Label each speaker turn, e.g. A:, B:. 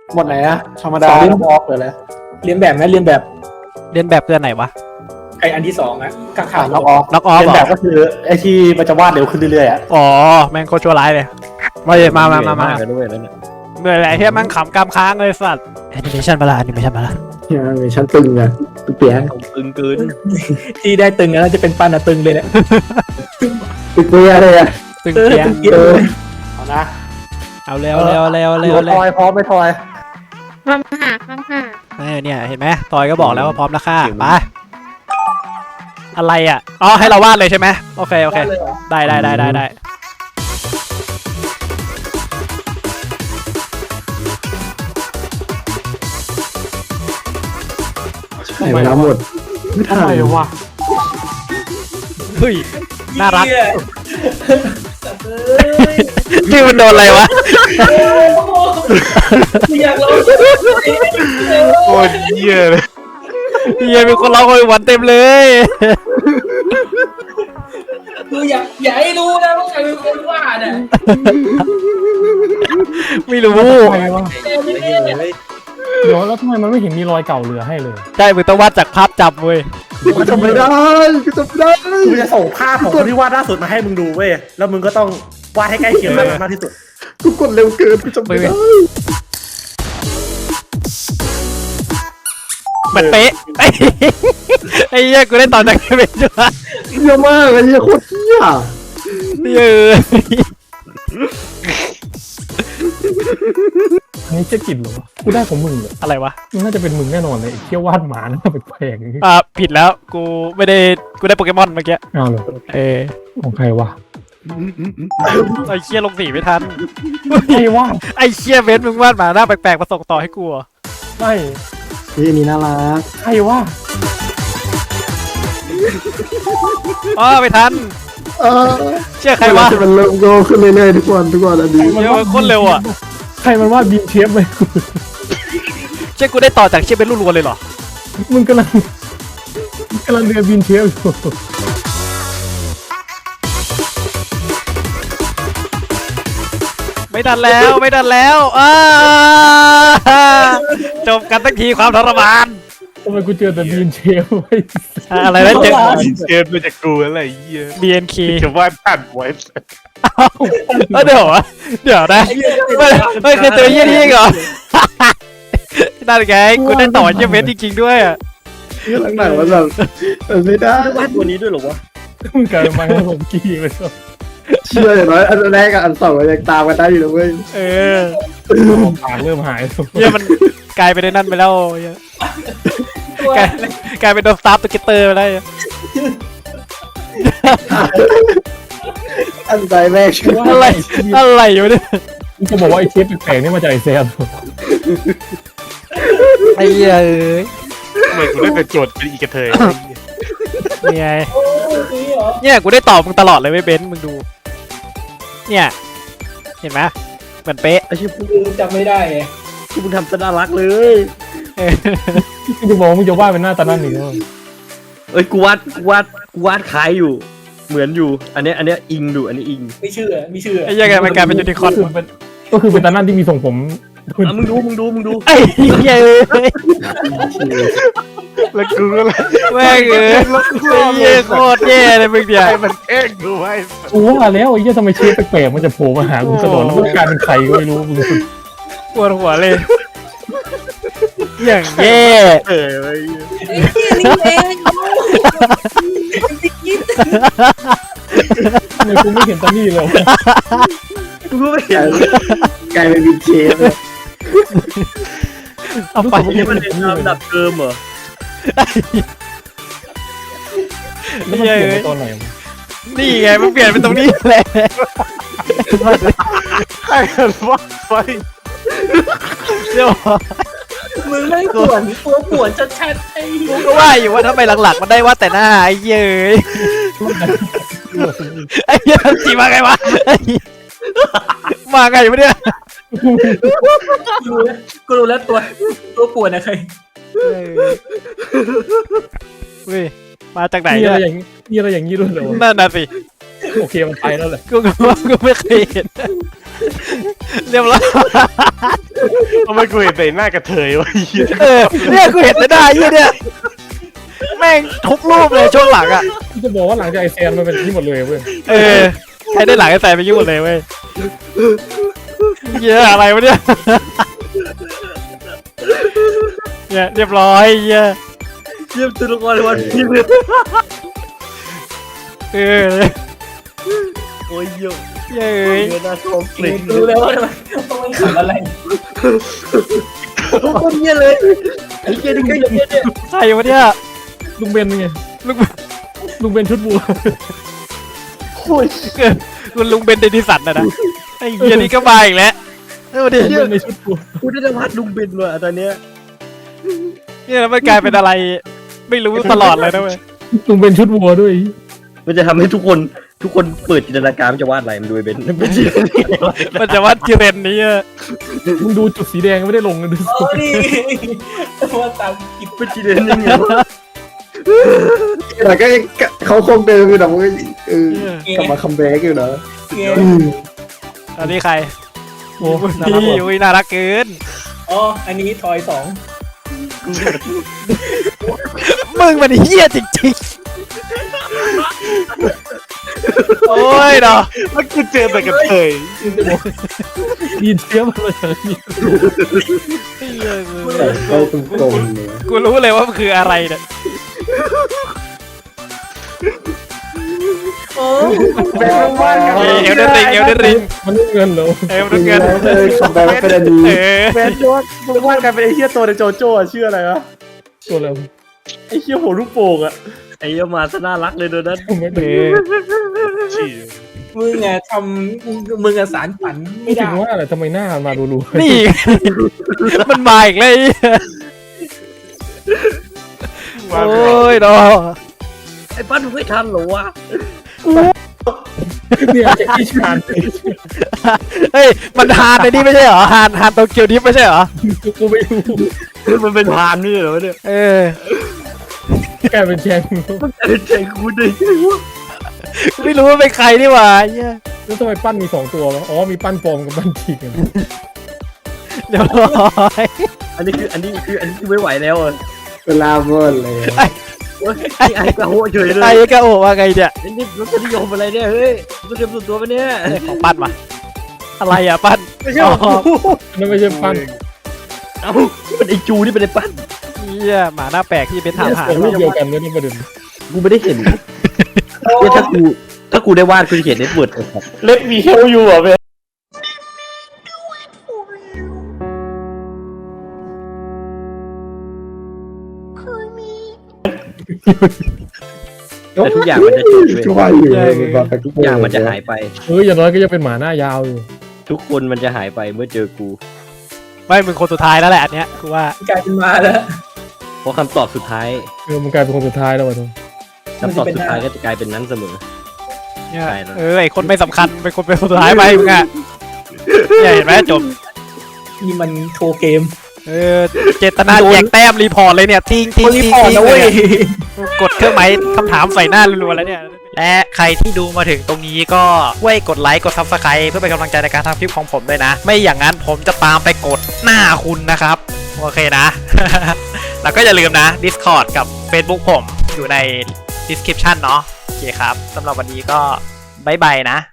A: หมดไหนอะธรรมดาบล็อกเลย
B: เรียนแบบไหมเรียนแบบ
C: เรียนแบบเกินไหนวะ
B: ไออันที่สองนะข้างๆ
A: น็อกออฟ
C: น็อกออฟ
A: เป็น
C: เหร
A: แบ
C: อบ
A: ก็คือไอ้ที่มันจะวาดเร็วขึ้นเรื่อยๆอะ
C: อ๋อแม่งโคตรชั่วร้ายเลยมาเลยมา
D: เลยด้วยแล้วเนี่ย
C: เหนื่อยแหละเฮียแม่งขำกำค้างเลยสัตว์แอนิเมชันมาละแอนิเมชันมาละ
E: มีชั้นตึงอะเปียก
D: ตึงเกิน
B: ที่ได้ตึงแล้วจะเป็นปันอะตึงเลยเนี่ย
E: ตึงเปียเลยอะ
C: ตึงเปีย
A: เอานะ
C: เอาเร็วเร็วเร็วเร็วเร็
A: ท
C: ว
A: อยพร้อมไม่ทอย
F: ความห่าความห่า
C: เนี่ยเห็นไหมทอยก็บอกแล้วว่าพร้อมแล้วค่ะไปอะไรอ่ะอ๋อให้เราวาดเลยใช่ไหมโอเคได้
E: ใช่เวลาหมดไม่ทัน
A: อะไรวะ
C: เฮ้ยน่ารักนี่มันโดนอะไรวะ
B: อยากลอง
D: โคตรเยี่ยเลย
C: เฮียมีคนร้องโอยหวันเต็มเลย
B: คืออยากให้รู้นะว่าใครเป็นคนวาดอ่ะ
C: ไม่รู้
G: ใครวะเดี๋ยวแล้วทำไมมันไม่เห็นมีรอยเก่าเหลือให้เลย
C: ใช่มึงต้องวาดจากภาพจำเว้ย
E: กูจำไม่ได้กูจำไม่ได้
A: กูจะส่งภาพของคนที่วาดล่าสุดมาให้มึงดูเว้ยแล้วมึงก็ต้องวาดให้ใกล้เคียงมากที่สุด
E: กูกดเร็วเกินกูจำไม่ได้
C: มันเป๊ะไอ้เหี้ยกูได้ตอนจากเป็นจ้ะ
E: เยอะมากไอ้เหี้ยโคตรเหี้ย
C: เยอะ
G: อันนี้เจ๊กิจเหรอวะกูได้ของมึงเหรอ
C: อะไรวะ
G: มันน่าจะเป็นมึงแน่นอนเลยไอ้เที่ยววาดหมาหน้าแปลกๆอย่างงี้
C: ผิดแล้วกูไม่ได้กูได้โปเกมอนเมื่อกี้
G: เอาเหรอ ของใครวะ
C: ไอ้เชี่ยลงสีไม่ทัน
G: ใครวะ
C: ไอ้เชี่ยเบนซ์มึงวาดหมาหน้าแปลกๆมาส่งต่อให้กูเหรอ
G: ไม่
E: นี่นี่น่ารัก
G: ใครวะ
C: ไม่ทัน เชื่อใครวะ
E: มันเริ่มโตขึ้นเรื่อยๆทุกวันอันนี้
C: เชื่อมันโคตรเร็วอ่ะ
G: ใครมันวาดบีมเชฟเลยกู
C: เชื่อกูได้ต่อจากเชี่ยเบนซ์รัวๆเลยเหรอ
G: มึงกำลังเรียนบีมเชฟอยู่
C: ไม่ทันแล้วจบกันตั้งทีความทรมาน
G: ทำไมกูเจอแต่บีมเชฟไว้
C: อะไรนะเจอ
D: เกินมาจากกูอะไรเยี่ย
C: BNK
D: จะว่าผ่านไว้
C: เดี๋ยวนะไม่เคยเจอเยี่ยนี่เหรอนั่นไงกูได้ต่อเยี่ยเบนซ์จริงๆด้วยอ่ะ
E: หลังๆมันแบบไม่ได้
D: วาดตัวนี้ด้วยหรอวะ
G: มึงกลายเป็นมาให้ผมกี้ไปซะ
E: เชื่ออย่างน้อยอันแรกกับอันสองมันยังตามกันได้อยู่นะเว้ย
G: ปากเริ่มหาย
C: เนี่ยมันกลายเป็นนั่นไปแล้วกลายเป็นโดนสตาร์ฟตัวเกตเตอร์ไปแล้ว
E: อันใจแรกชื่อ
C: อะไรอยู่เนี่ย
G: มึงจะบอกว่าไอ้เชฟแปลกๆนี่มาจากไอ้แซม
C: ไอ้เหี้ย
D: ทำไมกูได้เป็นโจทย์เป็นอีกระเทย
C: เนี่ยกูได้ตอบมึงตลอดเลยไม่เบนซ์มึงดูเนี่ยเห็นไหมเหมือนเป๊ะ
E: ไอ้ชิบ
B: จำไม่ได้ไง
E: ที่มึงทำซะน่ารักเลย
G: มึงจะบอกว่ามึงจะวาดเป็นหน้าตานั่นนี่เนอะ
H: เอ้ยกูวาดคล้ายอยู่ เหมือนอยู่ อันเนี้ยอิงดูอันนี้อิง
B: ไม่เชื่อ
C: ไอ้เหี้ยังไงมันกลายเป็นยูนิคอร์น
G: ก็คือเป็นตานั่นที่มีทรงผม
H: อ่ะมึงดู
C: ไอ้เหี้ย
D: แล้วกูก็เลย
C: แม่งไอ้เหี้ยโคตรแย่เลยมึงเดียว
D: ให้มันแกล้งกูไว้
G: กูว่าแล้วไอ้เหี้ยทำไมเชฟแปลกๆมันจะโผล่มาหากูตลอดแล้วมันกลายเป็นใครก็ไม่รู้มึง
C: ปวดหัวเลยอย่างแย่
D: ไว้
G: ทำไมกูไม่เห็นตานี่เลย
H: กูก็ไม่เห็น
E: กลายเป็นบิ๊กเชฟ
C: เอาไป
H: นี่มันเป็นลำดับเดิมเหรอ
G: แล้วมันเปลี่ยนไปตอนไหน
C: นี่ไงมันเปลี่ยนเป็นตรงนี้แหละ
D: ใครกันวาดไฟ
C: เดี๋ยว
B: มึงไม่ปวดชัดๆไอ้
C: กูก็ว่าอยู่ว่าทำไมหลังๆมันได้ว่าแต่หน้าไอ้เย้ยไอ้เหี้ยทันจีมาไงวะมาไงวะเนี่ย
B: กูรู้แล้วตัวปวดนะใคร
C: เฮ้ยมาจากไหน
G: มีอะไร
C: เนี่ย
G: อย่างนี้ด้วยเหรอ
C: นั่นน่ะสิ
G: โอเคมันไปแล้วแหละ
C: กูก็ว่ากูไม่เคยเห็นเรียบร้อย
D: ทำไมกูเห็นแต่หน้ากระเทยวะไอ้เหี้ย
C: เนี่ยกูเห็นแต่หน้าไอ้เนี่ยแม่งทุกรูปเลยช่วงหลังอ่ะ
G: จะบอกว่าหลังจากไอแซนมันเป็นที่หมดเลยเว้ย
C: ใครได้หลังไอ้แฟนไปยุ่งหมดเลยเว้ยเหี้ยอะอะไรวะเนี่ยเนี่ยเรียบร้อยเหี้ย
H: เยี่ยมตัวละครวันพีเลย โอ้ยเยอะ
C: เย้ย
H: เยอะน่าชมกลิ่น
B: รู้แล้วว่ามันขำอะไร
H: คนเนี้ยเลยไอ้เหี้ยนี่ก็อย่างเงี้ยเนี่ย
C: ใครวะเนี่ย
G: ลุงเบนไง
C: ลุง
G: ลุงเบนชุดวัว
C: คุณลุงเบนเดนิสันนะไอ้เหี้ยนี่ก็มาอีกแล้วเออดิ
G: ลุงเบนในชุดวัว
H: กูได้วาดลุงเบนว่ะตอนเนี้ย
C: เนี่ยแล้วมันกลายเป็นอะไร ไม่รู้ตลอดเลยนะเว้ย
G: ลุงเบนชุดวัวด้วย
H: มันจะทำให้ทุกคนเปิดจินตนาการมันจะวาดอะไรมันดูไอ้เบนเป็นจินตนาการ
C: มันจะว่าจิเรนนี้อะ
G: มึงดูจุดสีแดงไม่ได้ลงนะดู
B: โอ้นี่ว่าตามกิบ
H: เป็นจินตนาการยังไงวะ
E: แต่ก็เขาคงเดิมอยู่นะมันก็กลับมาคัมแบ็กอยู่นะ
B: เก
C: อันนี้ใคร
G: โอ้
C: นี่อุ้ยน่ารักเกิน
B: อ๋ออันนี้ทอยสอง
C: มึงมันเฮี้ยจริงๆโอ้ยเนาะ
D: แล้วกูเจอแต่กระเทย
G: ดีเชื้อมันมาจากนี่
E: เขาตรงๆเลย
C: กูรู้เลยว่ามันคืออะไรเนี่ย
B: โอ้
E: แบ็คมาก
C: เอลเดนริงเอลเดนริง
G: มันไม่เงินเหรอ
C: เอลเดนเงิน
E: คัมแบ็กเป็นอันนี้
A: แมนยอดมึงวาดกันเป็นไอ้เหี้ยตัวในโจโจ้อะชื่ออะไรวะ
G: ตัวแล้ว
A: ไอ้เหี้ยหัวลูกโป่งอะ
H: ไอ้เหี้ยมาซะน่ารักเลยโดนัท
G: ไม่ได้
D: ชี้
B: มึงอะทำมึงอะสารฝัน
G: ไม่
B: ไม่
G: ถึ
B: ได้
G: งว่าอะไรทำไมหน้ามันมาดู
C: นี่ มันมาอีกเลยโอ้ยเนาะ
H: ไอ้ปั้นมึงไม่ทันเหรอวะ
G: เนี่ยจะอีชาน
C: เฮ้ยมันฮานในนี่ไม่ใช่เหรอฮานโตเกียวดิฟไม่ใช่เหรอ
G: กูไม่รู้
H: มันเป็นพานนี่เหรอเนี่ย
G: กลายเป็นแชง
H: ไอ้ใจกูได้ไงวะ
C: ไม่รู้ว่าเป็นใครนี่หว่าเหี้ย
G: แล้วทำไมปั้นมี2ตัววะอ๋อมีปั้นปลอมกับปั้นจริงกัน
C: เดี๋ยวร้อย
H: อันนี้คือไม่ไหวแล้วอ่ะ
E: เวลาเวิร์นเลย
H: โอ้ยไอ้กระโหเฉยเลย
C: ไอ้กะโอว่าไงเนี่ย
H: นี่รสนิยมอะไรเนี่ยเฮ้ยรสนิยมส่วนตัวปะเนี่ย
C: ของปั้นมาอะไรอ่ะปั้น
A: ไม่ใช่ของกู
G: นั่นไม่ใช่ปั้น
H: เอ้านี่มันไอ้จูนี่เป็นไอ้ปั้น
C: เหี้ยหมาหน้าแปลกที่เป็นถามหา
G: เป็นรูปเดียวกันไม่ได้ประเด็น
H: กูไม่ได้เห็นถ้ากูได้วาดกูจะเขียนเน็ตเวิร์ดครับ
A: เล็บมีเฮลอยู่อะเว้ย
H: แต่ทุกอย่างมันจะจบเลย
E: ช่วยอยู่แบบทุก
H: ทุกอย่างมันจะหายไป
G: อย่างน้อยก็ยังเป็นหมาหน้ายาวอยู่
H: ทุกคนมันจะหายไปเมื่อเจอกู
C: ไม่มึงคนสุดท้ายแล้วแหละอันเนี้ยกูว่าก
B: ลายเป็นมาแล้ว
H: เพราะคำตอบสุดท้าย
G: มันกลายเป็นคนสุดท้ายแล้ววะทุก
H: คำตอบสุดท้ายก็จะกลายเป็นนั้นเสมอ
C: เนี่ย
H: ใช่แล้ว
C: ไอคนไม่สำคัญเป็นคนเป็นคนสุดท้ายไปมึงอ่ะเนี่ยเห็นไหมจบ
B: นี่มันโชว์เกม
C: เจตนาแจกแต้มรีพอร์ตเลยเนี่ยทิ้ง
B: คนรีพอร์ตนะเว้ย
C: กดเครื่องหมายคำถามใส่หน้ารัวๆแล้วเนี่ยและใครที่ดูมาถึงตรงนี้ก็ช่วยกดไลค์กด Subscribe เพื่อเป็นกำลังใจในการทำคลิปของผมด้วยนะ ไม่อย่างนั้นผมจะตามไปกดหน้าคุณนะครับโอเคนะ แล้วก็อย่าลืมนะ Discord กับ Facebook ผมอยู่ใน description เนาะโอเคครับสำหรับวันนี้ก็บ๊ายบายนะ